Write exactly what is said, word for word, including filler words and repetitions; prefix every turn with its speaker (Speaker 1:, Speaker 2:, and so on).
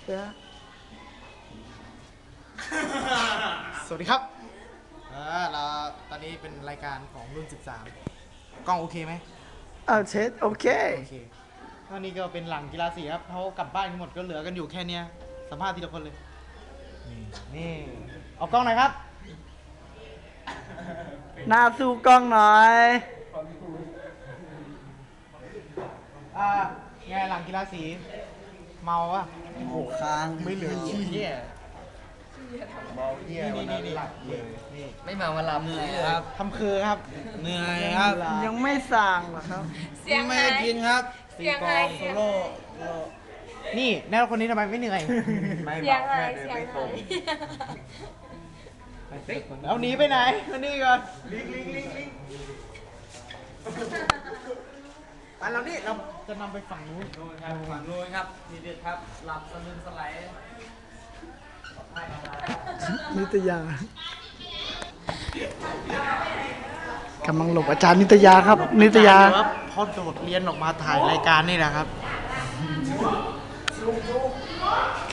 Speaker 1: เดี๋ยว
Speaker 2: สวัสดีครับเออเราตอนนี้เป็นรายการของรุ่นสิบสามกล้องโอเคไหม
Speaker 1: เอาเช็ดโอเค
Speaker 2: โอเคตอนนี้ก็เป็นหลังกีฬาสีครับเขากลับบ้านกันหมดก็เหลือกันอยู่แค่เนี้ยสัมภาษณ์ทีละคนเลย นี่นี่เอากล้องหน่อยครับ
Speaker 1: หน้าสู้กล้องหน่อย
Speaker 2: อ่าไงหลังกีฬาสี เมาปะ
Speaker 1: โอ้โหค้าง
Speaker 2: ไม่เหลือขี้
Speaker 3: เนี่ยเมาเที่ยวันนั้นหลับเลย
Speaker 2: นี่
Speaker 3: ไม่มาวันลำเลยครับ
Speaker 2: ทำคือครับ เหนื่อยครับ
Speaker 1: ยังไม่สั่งหรอครับ
Speaker 4: เสียง
Speaker 2: ไม่
Speaker 4: หา
Speaker 2: ได้
Speaker 4: ย
Speaker 2: กินครับ
Speaker 4: เสียงหายเสียงหาย
Speaker 2: นี่แนวคนนี้ทำไมไม่เหนื่อย
Speaker 3: ไม่
Speaker 4: เสียง
Speaker 3: เมา
Speaker 4: หาย
Speaker 3: แค่
Speaker 4: เสียง
Speaker 3: ไม่ตร
Speaker 4: หาง ย
Speaker 2: แล้วหนีไปไหนมานี่ก่อนลิงลิงลิงลิงไปเรานี่เราจะนำไปฝั่งนู้น
Speaker 3: ครับฝั่งนู้นครับนี่เด็ดครับ หลับสลืมสลาย
Speaker 1: นิตยากำลังหลบอาจารย์นิตยาครับ นิตยา
Speaker 2: เดี๋วครับพอโดดเรียนออกมาถ่ายรายการนี่แหละครับ